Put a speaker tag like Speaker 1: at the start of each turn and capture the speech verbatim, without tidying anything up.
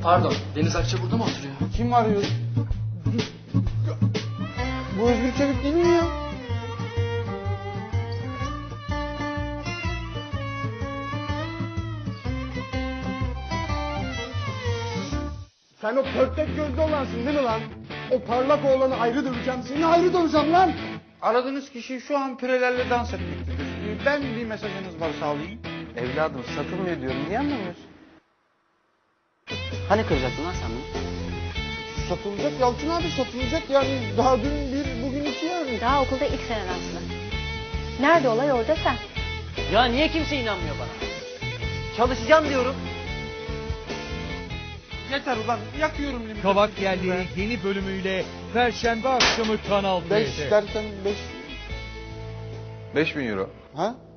Speaker 1: Pardon, Deniz Akça burada mı oturuyor?
Speaker 2: Kim arıyor? Bu Özgür Çevik değil mi ya? Sen o pörtlek gözlü olansın değil mi lan? O parlak oğlanı ayrı döveceğim, seni ayrı döveceğim lan! Aradığınız kişi şu an pirelerle dans etmektedir. Ben bir mesajınız varsa alayım.
Speaker 3: Evladım satılmıyor diyorum. Niye anlamıyorsun? Hani kıracaktın lan sen bunu?
Speaker 2: Satılacak Yalçın abi, satılacak yani. Daha dün bir, bugün iki yani.
Speaker 4: Daha okulda ilk senen Aslı. Nerede olay orada sen.
Speaker 3: Ya niye kimse inanmıyor bana? Çalışacağım diyorum.
Speaker 2: Yeter ulan, yakıyorum limiti.
Speaker 5: Kavak Yerliği yeni bölümüyle Perşembe akşamı Kanal
Speaker 2: Beş
Speaker 5: D'de.
Speaker 2: dersen beş.
Speaker 6: beş bin euro.
Speaker 2: Ha?